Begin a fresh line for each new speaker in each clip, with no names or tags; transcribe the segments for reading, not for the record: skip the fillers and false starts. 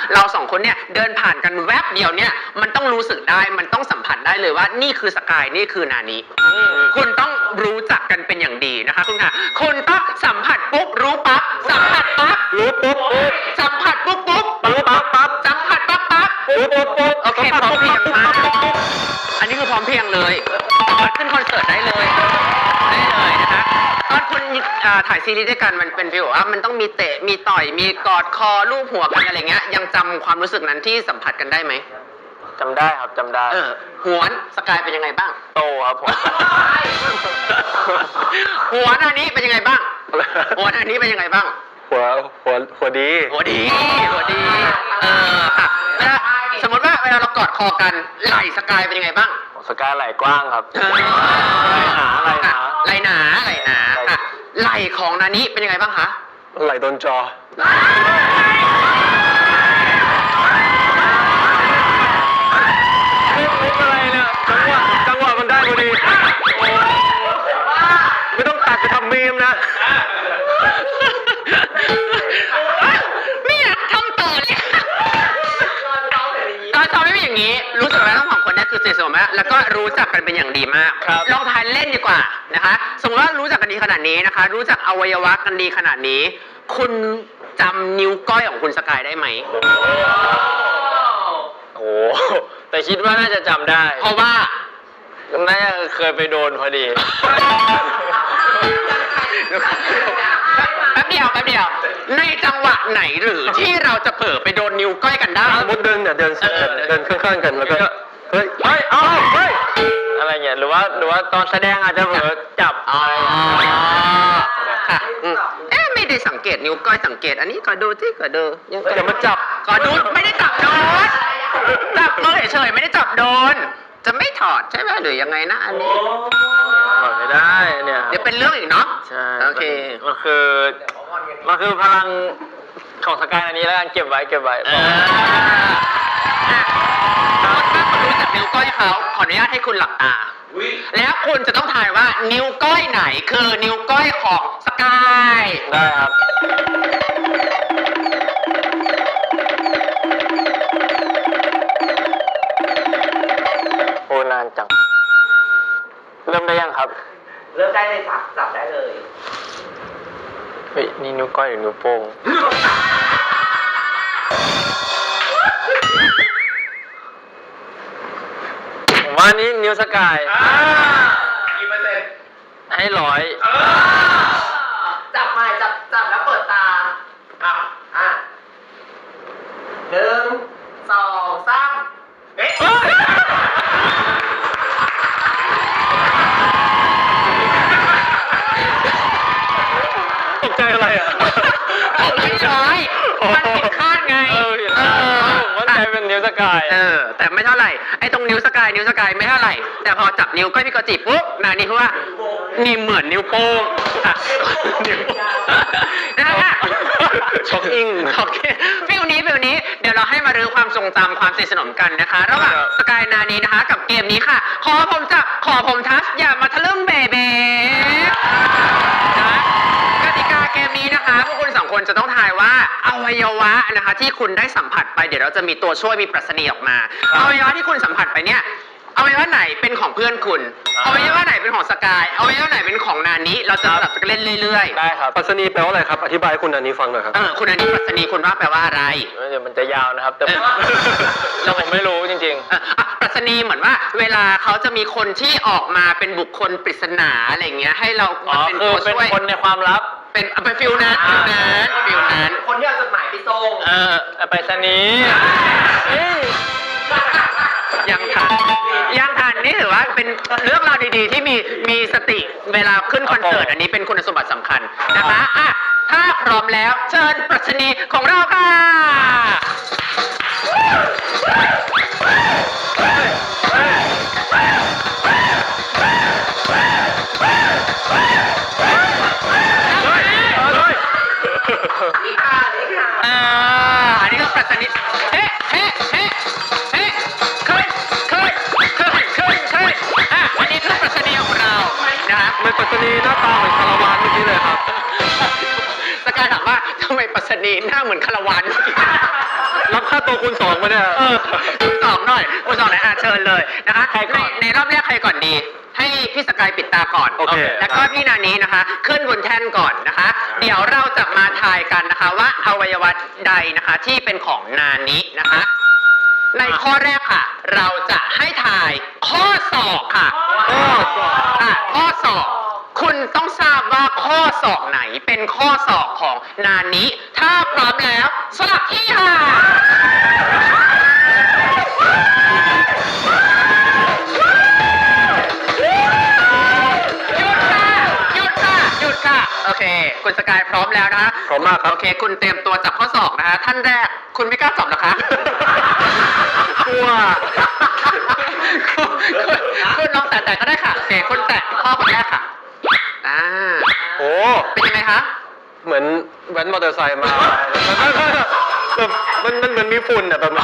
เราสองคนเนี่ยเดินผ่านกันแวบเดียวเนี่ยมันต้องรู้สึกได้มันต้องสัมผัสได้เลยว่านี่คือสกายนี่คือนานิคุณต้องรู้จักกันเป็นอย่างดีนะคะคุณค่ะคุณต้องสัมผัสปุ๊บรู้ปั๊บสัมผัสปั๊บ
รู้ปุ๊บ
สัมผัสปุ๊บปุ๊บ
รู้ปั๊บ
สัมผัสปั๊บปั๊บ
ปุ๊บ
โอเคพร้อมเพรียงมากอันนี้คือพร้อมเพรียงเลยขึ้นคอนเสิร์ตได้เลยนะคะตอนคุณถ่ายซีรีส์ด้วยกันมันเป็นฟีลว่ามันต้องมีเตะมีต่อยมีกอดคอลูบหัวกันอะไรเงี้ยยังจำความรู้สึกนั้นที่สัมผัสกันได้ไหม
จำได้ครับจำได้
หวนสกายเป็นยังไงบ้าง
โตครับผม
หัวอันนี้เป็นยังไงบ้างหัวอันนี้เป็นยังไงบ้าง
หัวดี
ค่ะสมมติว่าเวลาเรากอดคอกันไหล่สกายเป็นยังไงบ้าง
สกายไหล่กว้างครับ
ไหล่หนาไหล่ของนานิเป็นยังไงบ้างคะ
ไหล่โดนจออะไรเนี่ยจังหวะมันได้พอดีไม่ต้องตัดจะทำมีมนะ
ไม่อยากทำต่อเลยตอนซ้อมไม่เป็นอย่างนี้รู้สึกว่าทั้งสองคนนี้คือสนิทสนมแล้วก็รู้จักกันเป็นอย่างดีมากลองทายเล่นดีกว่านะคะสมมติว่ารู้จักกันดีขนาดนี้นะคะรู้จักอวัยวะกันดีขนาดนี้คุณจำนิ้วก้อยของคุณสกายได้ไหม
โอ้แต่คิดว่าน่าจะจำได้
เพราะว่า
น่าจะเคยไปโดนพอดี
แป๊บเดียวในจังหวะไหนหรือที่เราจะเผลอไปโดนนิ้วก้อยกันได้
สมมติเดินข้างๆกันแล้วก็เฮ้ยอะไรเงี้ยหรือว่าตอนแสดงอาจจะเผลอจับอะไร
ค่ะไม่ได้สังเกตนิ้วก้อยสังเกตอันนี้ก็ดูที่ก็ดู
อย่ามาจับ
ก็ดูไม่ได้จับโดนจับมือเฉยๆไม่ได้จับโดนจะไม่ถอดใช่ไหมหรือยังไงนะอันนี้
ถอดไม่ได้เนี่ย
เดี๋ยวเป็นเรื่องอีกเนาะ
ใช่
โอเค
มันคือพลังของสกายอันนี้แล้วกันเก็บไว้
ถ้าคุณรู้จักนิ้วก้อยเขาขออนุญาตให้คุณหลับตาแล้วคุณจะต้องทายว่านิ้วก้อยไหนคือนิ้วก้อยของสกาย
ได้ครับโอ้นานจังเริ่มได้ยังครับ
เริ่มได้เลยจับได้เลย
เฮ้ยนี่นิ้วก้อยหรือนิ้วโป้งผมว่านี่นิ้วสกาย
กี่เปอร์เซ็นต์
ให้100
จับใหม่จับแล้วเปิดตา1 2 3เอ๊ะ
ตกใจอะไรอ่ะ
ไม่ใช่มันผิดคาดไง
มันกลายเป็นนิ้วสกาย
แต่ไม่เท่าไหร่ไอ้ตรงนิ้วสกายไม่เท่าไหร่แต่พอจับนิ้วก้อยพี่กอจิปุ๊บนี่คือว่านี่เหมือนนิ้วโป้งนะคะ
ช็อกอิง
ฟิลนี้เดี๋ยวเราให้มารื้อความทรงจำความสนิทสนมกันนะคะระหว่างสกายนานีนะคะกับเกมนี้ค่ะขอผมจับขอผมทัชอย่ามาทะลึ่งเบเบ้กติกาเกมนี้นะคะพวกคุณ2 คนจะต้องทายว่าอวัยวะนะคะที่คุณได้สัมผัสไปเดี๋ยวเราจะมีตัวช่วยมีปรัชนีออกมาอวัยวะที่คุณสัมผัสไปเนี่ยอวัยวะไหนเป็นของเพื่อนคุณอวัยวะไหนเป็นของสกายอวัยวะไหนเป็นของนานิเราจะสลับกันเล่นเรื่อย
ๆได้ครับปรัชนีแปลว่าอะไรครับอธิบายให้คุณนานิฟังหน่อยครับ
คุณนานิปรัชนีคุณว่าแปลว่าอะไร
เดี๋ยวมันจะยาวนะครับแต่ผมไม่รู้จริง
ๆปรัชนีเหมือนว่าเวลาเขาจะมีคนที่ออกมาเป็นบุคคลปริศนาอะไรเงี้ยให้เรา
เป็นตัวช่วยเป็นคนในความลับ
เป็นฟิลนั้นคนที่เอาจดหมายไปส่ง
ไปสนี
ยังทันนี่ถือว่าเป็นเรื่องราวดีๆที่มีสติเวลาขึ้นคอนเสิร์ตอันนี้เป็นคุณสมบัติสำคัญนะคะถ้าพร้อมแล้วเชิญปรัชนีของเราค่ะอันนี้ก็ปรัชนีอันนี้คือปรัชนีของเรานะครับ
ไม่ปรัชนีหน้าตาเหมือนคาราวานเมื่อกี้เลยครับ
สกายถามว่าทำไมปรัชนีหน้าเหมือนคาราวานเมื่อกี้
รับคค่าตัวคูณ 2มาเนี่ย
คูณสองหน่อยคูณสองหน่อยเชิญเลยนะคะ
ใครก่อน
ในรอบแรกใครก่อนดี ให้พี่สกายปิดตาก่อน
โอเค
แล้วก็พี่นานี้นะคะ ขึ้นบนแท่นก่อนนะคะ เดี๋ยวเราจะมาทายกันนะคะว่าอวัยวะใดนะคะที่เป็นของนานี้นะคะ ในข้อแรกค่ะ เราจะให้ทายข้อศอกค่ะข้อศอก คุณต้องทราบว่าข้อศอกไหนเป็นข้อศอกของนานี้ ถ้าพร้อมแล้วสลับที่ค่ะ หยุดค่ะ โอเค คุณสกายพร้อมแล้วนะคะ
พร้อมมากครับ
โอเค คุณเตรียมตัวจับข้อศอกนะคะ ท่านแรก คุณไม่กล้าจับเหรอคะ
กลัว
คุณลองแตะๆก็ได้ค่ะ โอเค คุณแตะข้อคนแรกค่ะ
โอ้
เป็นยังไงคะ
เหมือนแว้นมอเตอร์ไซค์มาแบบมันเหมือนมีฝุ่นอ่ะแบบ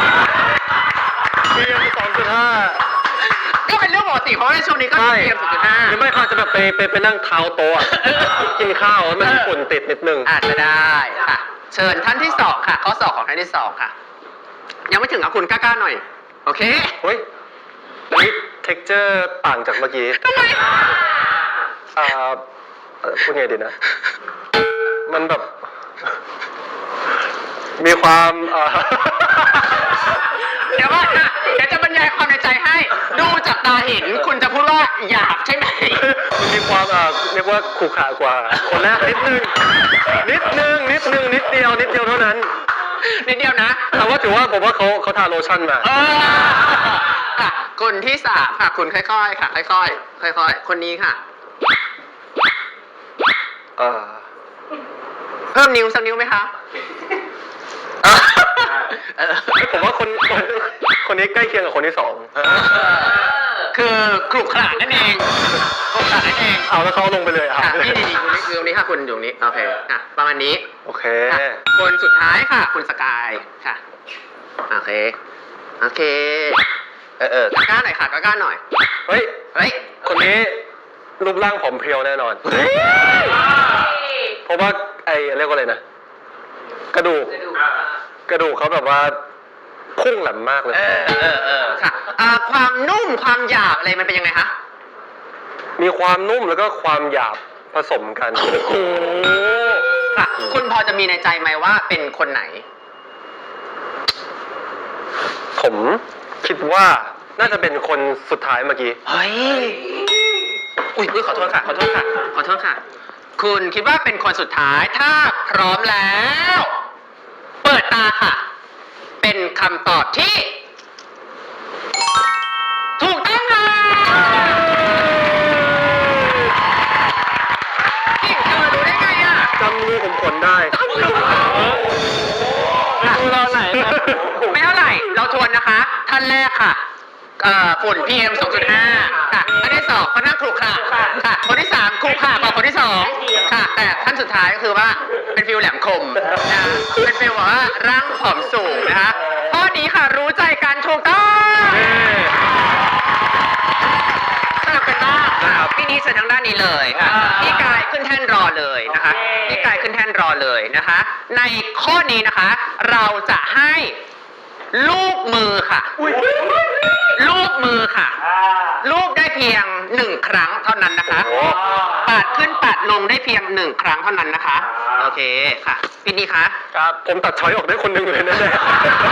PM 2.5
ก็เป็นเรื่องปกติเพราะว่าในช่วงนี้ก็
ใช่
เตรียม0.5
หรือไม่เขาจะแบบไปนั่งเท้าโต๊ะอะกินข้าวแล้วมันมีฝุ่นติดนิดนึง
อาจจะได้ค่ะ เชิญท่านที่สองค่ะ ข้อสอบของท่านที่สองค่ะ ยังไม่ถึงเอาคุณกล้าๆหน่อย โอเค
เฮ้ยอันนี้ texture ต่างจากเมื่อกี้
ทำไม
พูดไงดีนะ มันแบบ มีความ
เดี๋ยวว่านะเดี๋ยวจะบรรยายความในใจให้ ดูจากตาเห็น คุณจะพูดว่าหยาบใช่ไหม
มันมีความเรียกว่าขรุขระกว่า คนแรกนิดนึงนิดเดียวเท่านั้น
นิดเดียวนะ
แต่ว่าถือว่าผมว่าเขาทาโลชั่นมา
ค่ะคนที่สามค่ะ คุณค่อยๆค่ะ ค่อยๆคนนี้ค่ะ เพิ่มนิ้วสักนิ้วไหมคะ
ผมว่าคนนี้ใกล้เคียงกับคนที่สอง
คือขรุขระนั่นเองขรุขระนั่นเอง
เอาแล้วเขาลงไปเลยอ่ะ
ค่ะนี่คือตรงนี้ค่ะคุณอยู่ตรงนี้ โอเคอ่ะประมาณนี้
โอเค
ค่ะคนสุดท้ายค่ะ คุณสกายค่ะ โอเคกล้าหน่อยค่ะกล้าหน่อย
เฮ้ย
เฮ้ย
คนนี้รูปร่างผอมเพรียวแน่นอน เพราะว่าเรียกว่าอะไรนะ กระดูกเขาแบบว่าพุ่งแหลมมากเลย
ค่ะความนุ่มความหยาบอะไรมันเป็นยังไงคะ
มีความนุ่มแล้วก็ความหยาบผสมกัน
โอ้โหค่ะ คุณพอจะมีในใจไหมว่าเป็นคนไหน
ผมคิดว่าน่าจะเป็นคนสุดท้ายเมื่อกี้
เฮ้ย อุ้ยขอโทษค่ะ คุณคิดว่าเป็นคนสุดท้าย ถ้าพร้อมแล้ว เปิดตาค่ะ เป็นคำตอบที่ ถูกต้องค่ะนี่เธอรู้ได้ไงอ่ะ
จำมือผมขนได้
ดูเราไหน ไม่เท่าไหร่ เราทวนนะคะ ท่านแรกค่ะฝุ่น PM 2.5 ค่ะท่านที่สองเขานั่งขรุขระค่ะ คนที่สามขรุขระกว่าคนที่สองค่ะ แต่ท่านสุดท้ายก็คือว่าเป็นฟิลแหลมคมนะเป็นฟิลแบบว่าร่างผอมสูงนะคะข้อนี้ค่ะรู้ใจกันถูกต้องสลับกันมากนะครับพี่นี้เชิญทางด้านนี้เลยค่ะพี่กายขึ้นแท่นรอเลยนะคะพี่กายขึ้นแท่นรอเลยนะคะ ในข้อนี้นะคะ เราจะให้ลูกมือค่ะ ลูกมือค่ะ ลูกได้เพียง1 ครั้งเท่านั้นนะคะ ปาดขึ้นปาดลงได้เพียง1 ครั้งเท่านั้นนะคะ โอเคค่ะพี่นี่คะ
ครับ ผมตัดช้อยออกได้คนหนึ่งเลยนะเนี่ย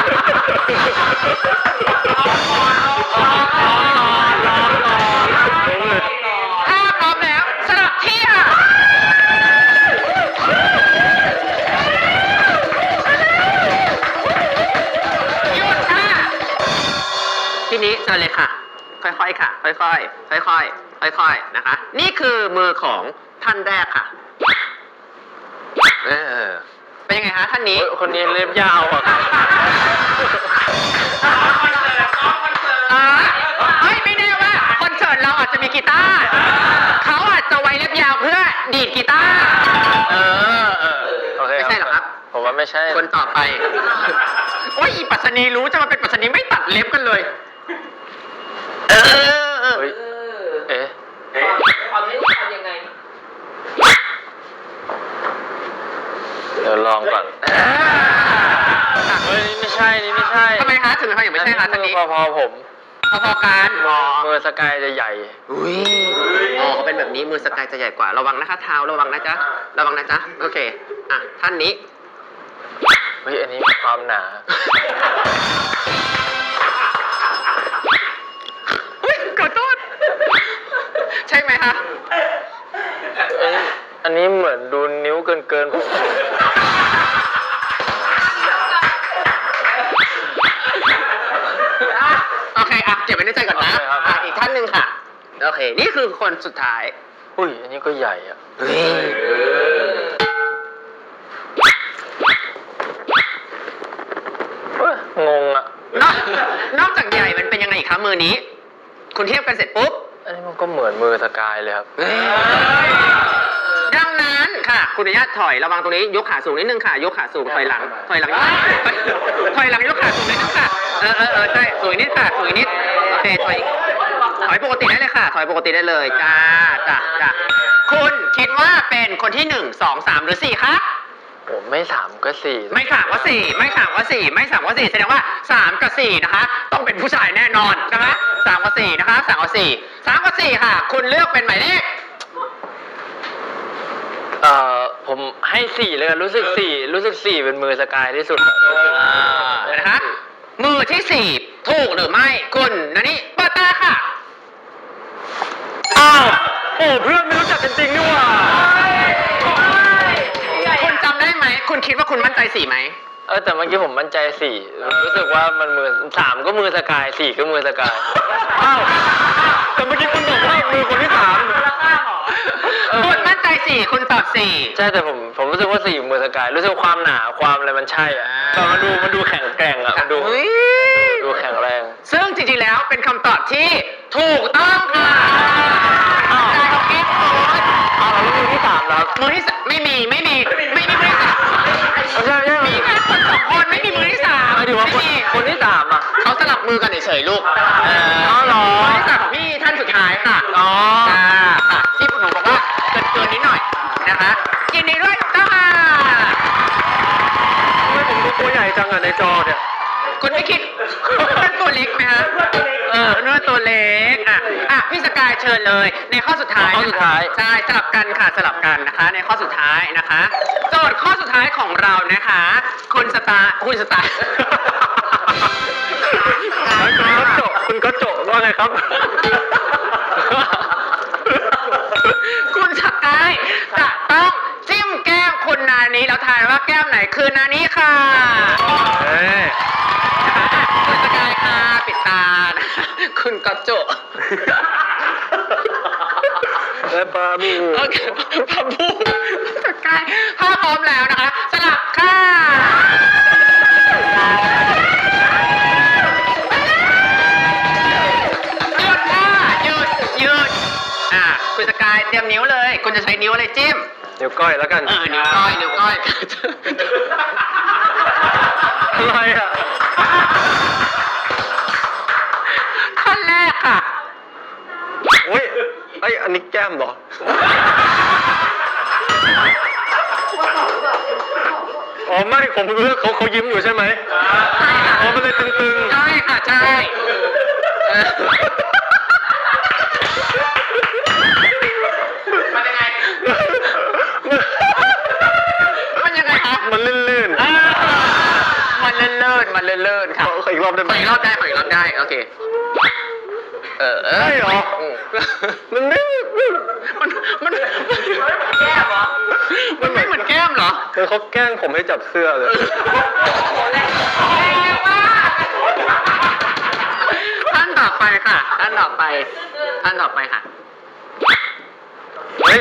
ถ้าพร้อมแล้วสลับที่ค่ะหยุดค่ะพี่นี้เชิญเลยค่ะ ค่อยๆค่ะ ค่อยๆนะคะ นี่คือมือของท่านแรกค่ะเป็นยังไงคะท่านนี้
คนนี้เล็บยาวอ่ะ
เฮ้ยไม่แน่ว่าคอนเสิร์ตเราอาจจะมีกีตาร์เขาอาจจะไว้เล็บยาวเพื่อดีดกีตาร์ไม่ใช่หรอครับ
ผมว่าไม่ใช่
คนต่อไปโอ้ยอีปัสนีรู้จะมาเป็นปัสนีไม่ตัดเล็บกันเลย
เฮ้ย
ความรู้ทำยังไง
เดี๋ยวลองก่อน เฮ้ยไม่ใช่ใช่นี่ไม่ใช่
ทำไมคะถึงทำไมถึงไม่ใช่คะท่านนี้
พอผม
พอๆกัน
มือสกายจะใหญ่
อุ้ยอ๋อเขาเป็นแบบนี้มือสกายจะใหญ่กว่า ระวังนะคะเท้าระวังนะจ๊ะ ระวังนะจ๊ะ โอเค อ่ะ ท่านนี้
เฮ้ยอันนี้ความหนา
อุ้ยขอโทษ ใช่ไหมคะ
อันนี้เหมือนดูนิ้วเกินผม
โอเค อ่ะ เก็บไว้ในใจก่อนนะ อ่ะ อีกท่านหนึ่งค่ะ โอเค นี่คือคนสุดท้าย
อุ้ยอันนี้ก็ใหญ่อะ
เฮ้ย
งงอะ
นอกจากใหญ่มันเป็นยังไงอีกคะมือนี้ คุณเทียบกันเสร็จปุ๊บ
อันนี้มันก็เหมือนมือสกายเลยครับ
ดังนั้นค่ะ คุณอนุญาตถอยระวังตรงนี้ยกขาสูงนิดนึงค่ะ ยกขาสูงถอยหลังถอยหลังถอยหลังยกขาสูงนิดนึงค่ะใช่สูงนิดค่ะสูงนิดโอเคถอยปกติได้เลยค่ะ ถอยปกติได้เลยจ้าคุณคิดว่าเป็นคนที่1 2 3หรือ4คะ
ผมไม่3ก็4
ไม่3ก็4ไม่3ก็4ไม่3ก็4แสดงว่า3กับ4นะคะต้องเป็นผู้ชายแน่นอนนะคะ3กับ4นะคะ3กับ4 3กับ4ค่ะ คุณเลือกเป็นหมายเลข
ผมให้4เลยรู้สึก4เป็นมือสกายที่สุดอะ
นะคะมือที่4ถูกหรือไม่คุณนันนี่เปิดตาค่ะ
อ้าวโอ้เพื่อนไม่รู้จักกันจริงนี่หว่า
คุณจำได้ไหมคุณคิดว่าคุณมั่นใจ4ไหม
แต่เมื่อกี้ผมมั่นใจ4รู้สึกว่ามันมือ3ก็มือสกาย4ก็มือสกายอ้าวแต่เมื่อกี้คุณบอกว่ามือคนที่3
คุณมั่นใจ4คุณตอบ4
ใช่แต่ผมรู้สึกว่า4มือสกายรู้สึกความหนาความอะไรมันใช่อะแต่มันดูแข็งแกร่งอะมันดูแข็งแรง
ซึ่งจริงๆแล้วเป็นคำตอบที่ถูกต้องค่ะได้ของกิ๊กโค้ด
แล้วมือที่3แล้ว
มือที่ไม่มีมือที่สาม
ใช่
มีแค่คน2คนไม่มีมือที่3
หมายถึงว่า
ไม่มี
คนที่3อ่ะ
เขาสลับมือกันเฉยๆลูก
อ๋อเหรอ
มือที่สามของพี่ท่านสุดท้ายค่ะ
อ๋อ
ค่ะที่หนูบอกว่าเกินนิดหน่อยนะคะยินดีด้วยถูกต้องค่ะ
ทำไมผมดูตัวใหญ่จังอะในจอเนี่ย
คุณไม่คิดเป็นตัวเล็กไหมฮะเนื้อตัวเล็กพี่สกายเชิญเลย ในข้อสุดท้าย
ข้อสุดท้าย
ใช่สลับกันค่ะสลับกันนะคะ ในข้อสุดท้ายนะคะ โจทย์ข้อสุดท้ายของเรานะคะ คุณสตาร์
คุณก็โจว่าไงครับ
คุณสกายจะต้องจิ้มแก้มคุณนานี้แล้วทายว่าแก้มไหนคือนานี้ค่ะคุณสกายค่ะปิดตานะคะคุณก็โจ
และปลาบู
โอเคพาบูสกายถ้าพร้อมแล้วนะคะ สลับค่ะหยุดค่ะหยุดคุณสกายเตรียมนิ้วเลย คุณจะใช้นิ้วอะไรจิ้ม
นิ้วก้อยแล้วกัน
นิ้วก้อย
อะไรอ่ะ
ขั้นแรกค่ะ
โอ้ยอันนี้แก้มเหรอ อ๋อไม่ผมเลือกเขายิ้มอยู่ใช่ไหมอ๋อมันเลยตึงๆ
ใช่ค่ะใช่มันยังไงคะ
มันลื่น
มันเลื่นค่ะ
ขออีกรอบได้ไหม
ขออีกรอบได้โอเค
ใช่เหรอมันไม่
มันแก้มเหรอมันไม่เหมือนแก้มเหรอ
เขาแกล้งผมให้จับเสื้อเลย
ท่านต่อไปค่ะ
เฮ้ย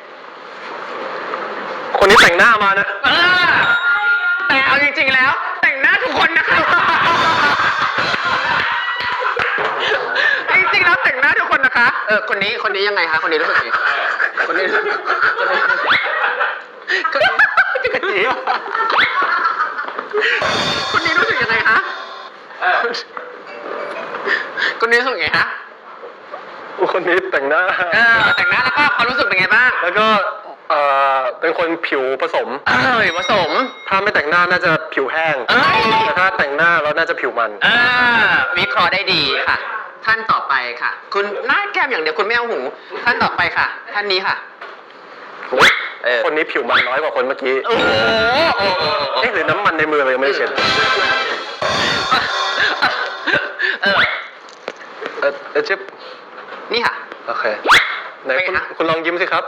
คนนี้แต่งหน้ามานะ
แต่เอาจริงๆแล้ว แต่งหน้าทุกคนนะคะจริงๆแล้วแต่งหน้าทุกคนนะคะคนนี้ยังไงคะคนนี้รู้สึกไงคนนี้พี่กะจีคนนี้รู้สึกยังไงคะคนนี้รู้สึกไงคะ
คนนี้แต่งหน้า
แต่งหน้าแล้วก็ความรู้สึกเป็นไงบ้าง
แล้วก็
เป็นคนผิวผสม
ผสม
ถ้าไม่แต่งหน้าน่าจะผิวแห้ง
เอ้ย
แต่ถ้าแต่งหน้าแล้วน่าจะผิวมัน
วิเคราะห์ได้ดีค่ะ ท่านต่อไปค่ะ คุณหน้าแก้มอย่างเดียวคุณไม่เอาหู ท่านต่อไปค่ะ ท่านนี้ค่ะ
คนนี้ผิวมันน้อยกว่าคนเมื่อกี้
โอ้โห
เอ๊ะหรือน้ำมันในมือเรายังไม่ได้เช็ด จิ๊บ
นี่ค่ะ
โอเคไหน
เป็นไงคะ
คุณลองยิ้มสิครับ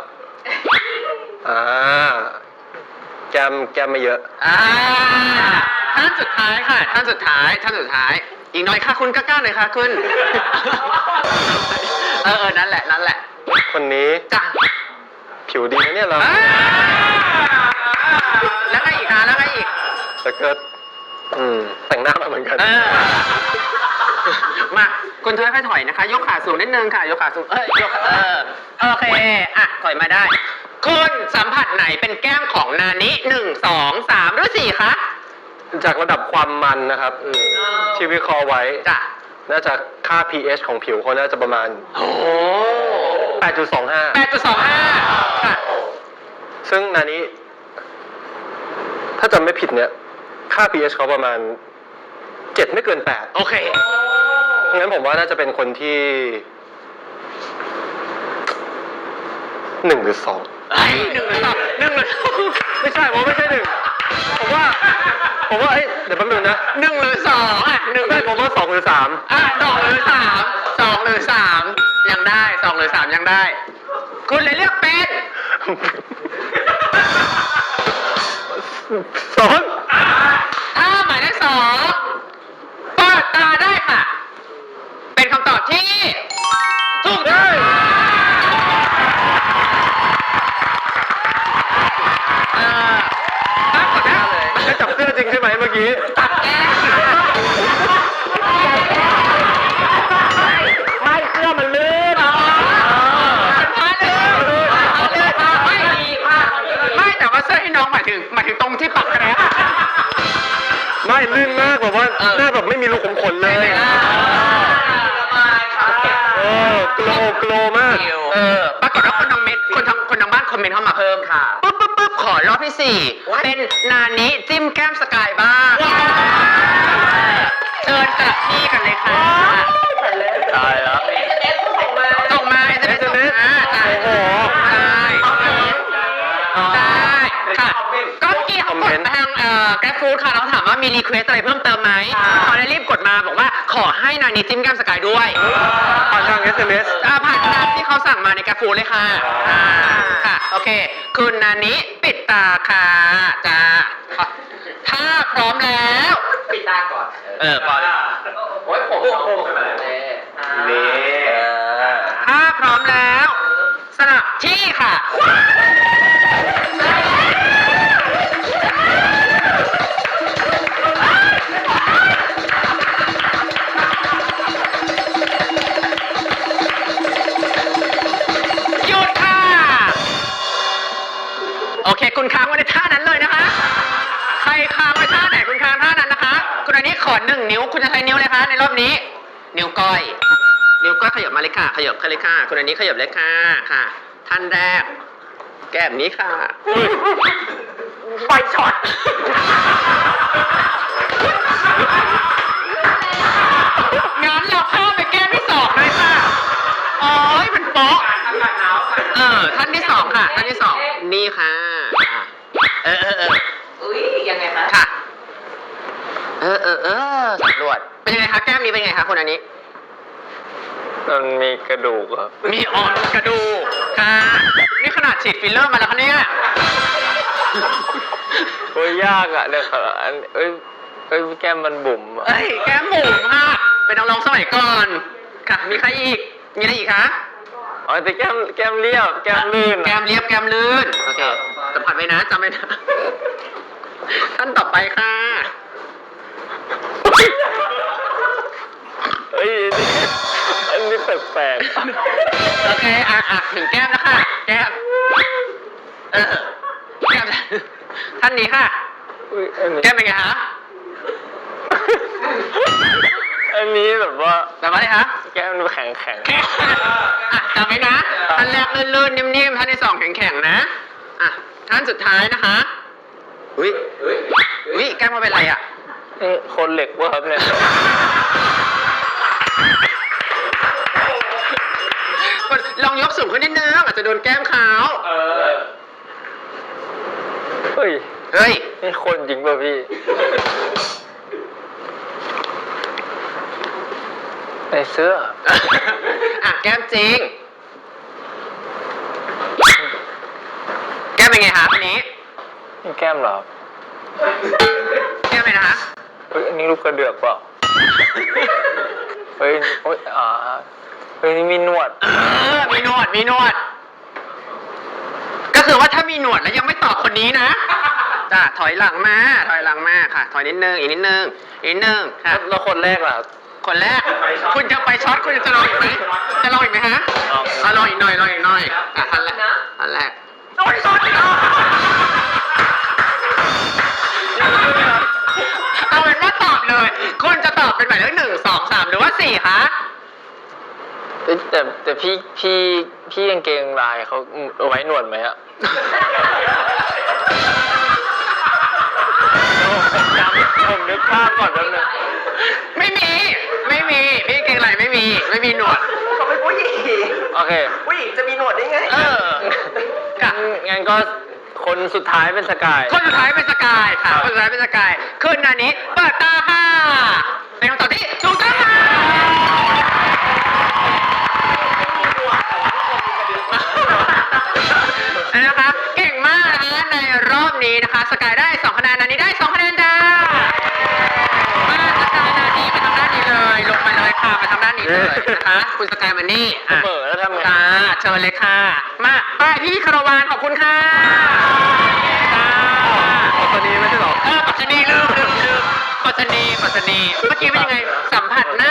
แก้มไม่เยอะ
ท่านสุดท้ายค่ะ ท่านสุดท้าย อีกหน่อยค่ะคุณกล้าๆหน่อยค่ะคุณ นั่นแหละ
คนนี้
จ้ะ
ผิวดีนะเนี่ยเรา
แล้วไงอีกคะแล้วไงอีก
แล้วก็แต่งหน้ามาเหมือนกัน
มาคุณค่อยๆถอยนะคะ ยกขาสูงนิดนึงค่ะ ยกขาสูงยกโอเคถอยมาได้ คุณสัมผัสไหนเป็นแก้มของนานิ1 2 3หรือ4คะ
จากระดับความมันนะครับที่วิเคราะห์ไว้
จ้ะ
น่าจะค่า pH ของผิวเขาน่าจะประมาณ 8.25
8.25 ค่ะ
ซึ่งนานี้ถ้าจำไม่ผิดเนี่ย ค่า pH เขาประมาณ 7 ไม่เกิน 8
โอเค
งั้นผมว่าน่าจะเป็นคนที่ 1 หรือ 2
ไอ้หนึ่งหรือสอง
ไม่ใช่ผมไม่ใช่ 1 ผมว่าเดี๋ยวแป๊บนึงนะ
หนึ่งหรือสองหนึ่ง
ไม่ผมว่า 2 หรือ 3
2 หรือ 3 2 หรือ 3 ยังได้2 หรือ 3 ยังได้ คุณเลยเลือกเป็น ถ้าหมายเลข2เปิดตาได้ค่ะ เป็นคำตอบที่ถูกต้องปรากฏว่า
2จับเสื้อจริงใช่ไหมเมื่อกี้
ตัดแก้ม
ไม่เสื้อมันลื่น
ไม่แต่ว่าเสื้อให้น้องหมายถึงตรงที่ปักแกรบ
ไม่ลื่นมากแบบว่าหน้าแบบไม่มีรูขุมขนเลย โกลมาก
ปรากฏว่าคนทางบ้านคอมเมนต์เข้ามาเพิ่มค่ะปุ๊บขอรอบที่ 4 เป็นนานิจิ้มแก้มสกายบ้างเชิญกลับที่กันเลยค่ะ
ตายแล้ว
ส่งมาSMS ส่งมาใช่
โอ้โห
ได้ค่ะก็เมื่อกี้เขากดทางแกร็บฟู้ดค่ะเราถามว่ามีรีเควสอะไรเพิ่มเติมไหมเขาได้รีบกดมาบอกว่าขอให้นานิจิ้มแก้มสกายด้วย
ผ่านทาง SMS
ผ่านตามที่เขาสั่งมาในแกร็บฟู้ดเลยค่ะค่ะโอเคคุณนานิปิดตาค่ะจ้าถ้าพร้อมแล้วปิดตาก่อนพอแล้วโอ้ยผมนี่ถ้าพร้อมแล้วสลับที่ค่ะ หยุดค่ะ โอเค คุณค้างไว้ในท่านั้นเลยนะคะ ใครค้างไว้ท่าไหนคุณค้างท่านั้นนะคะ คุณอันนี้ขอ1 นิ้ว คุณจะใช้นิ้วเลยคะในรอบนี้ นิ้วก้อย นิ้วก้อยขยับมาเลยค่ะ ขยับเลยค่ะ คุณอันนี้ขยับเลยค่ะ ค่ะ ท่านแรก แก้มนี้ค่ะ ไฟช็อต งั้นเราเข้าไปแก้มที่2เลยค่ะโอ้ยมันโป๊ะท่านที่ 2 ค่ะ ท่านที่ 2 นี่ค่ะ
อุ้ยยังไงคะ
ค่ะ สำรวจ เป็นยังไงคะ แก้มนี้เป็นยังไงคะคุณอันนี้
มันมีกระดูกครับ
มีอ่อนกระดูกค่ะ นี่ขนาดฉีดฟิลเลอร์มาแล้วคะเนี่ย
โอ้ยยากอ่ะเดี๋ยวแก้มมันบุ๋มอะ
เอ้ย แก้มหมูค่ะ เป็นนักร้องสมัยก่อน ค่ะ มีใครอีก มีอะไรอีกคะ
อ๋อแต่แก้มเรียบแก้มลื่น
แก้มเรียบแก้มลื่น โอเคสัมผัสไว้นะจำไว้นะ ท่านต่อไปค่ะ
เฮ้ยอันนี้แปลก
โอเค ถึงแก้มแล้วค่ะ แก้ม แก้ม ท่านนี้ค่ะ
ๆอุ๊ยอันนี้
แก้มเป็นไงคะ
อันนี้แบบว่า
จำไว้เลยคะ
แก้มดูแข็ง
จำไว้นะ ท่านแรกลื่นๆนิ่มๆ ท่านที่ 2 แข็งๆ นะอ่ะท่านสุดท้ายนะคะอุ้ยแก้มมาเป็นไรอ่ะ
นี่คนเหล็กวะครับเนี่ย
ลองยกสูงขึ้นนิดนึงอาจจะโดนแก้มเขา
เฮ้ย
เฮ้ย
นี่คนจริงป่ะพี่ ในเสื้อ
อ่ะแก้มจริง แก้มเป็นไงคะอันนี้
นี่แก้มเหรอ
แก้มเลยนะคะ
เฮ้ย อันนี้ลูกกระเดือกเปล่า เฮ้ยโอ๊ยเฮ้ย นี่มีหนวด
มีหนวด ก็คือว่าถ้ามีหนวดแล้วยังไม่ตอบคนนี้นะจ้ะถอยหลังมาค่ะ ถอยนิดนึงอีกนิดนึงค่ะ
แล้วคนแรกล่ะครับ
คนแรก คุณจะไปช็อตคุณจะลองอีกไหมฮะ ลองอีกหน่อยอ่ะทันแรกโอ้ยช็อตอีกแล้วเอาเป็นว่าตอบเลย คุณจะตอบเป็นหมายเลข1 2 3หรือว่า4คะ
เอ้ยแต่พี่กางเกงลายเขาเอาไว้หนวดไหมอะผมนึกภาพก่อนแป๊บนึง
ไม่มีพี่เก่งไรไม่มีหนวด
เขาเป็นผู้หญิง
โอเค
ผู้หญิงจะมีหนวดได้ไง
งั้นก็คนสุดท้ายเป็นสกาย
คนสุดท้ายเป็นสกายค่ะคนสุดท้ายเป็นสกายคืนนานี้เปิดตาค่ะเป็นคำตอบที่ถูกต้องค่ะนะคะเก่งมากนะคะในรอบนี้นะคะสกายได้2คะแนนนานี้ได้2คะแนนจ้ามาสกายนานี้มาทางด้านนี้เลยลงมาเลยค่ะมาทางด้านนี้เลยนะคะคุณสกายมานี่
เสมอแล้วทำไง
ค่ะเชิญเลยค่ะมาไปพี่คารวานขอบคุณค่ะ
ตอนนี้ไม่ใช่หรอ
ปัจจนีลืมปัจจนีเมื่อกี้เป็นยังไงสัมผัสหน้า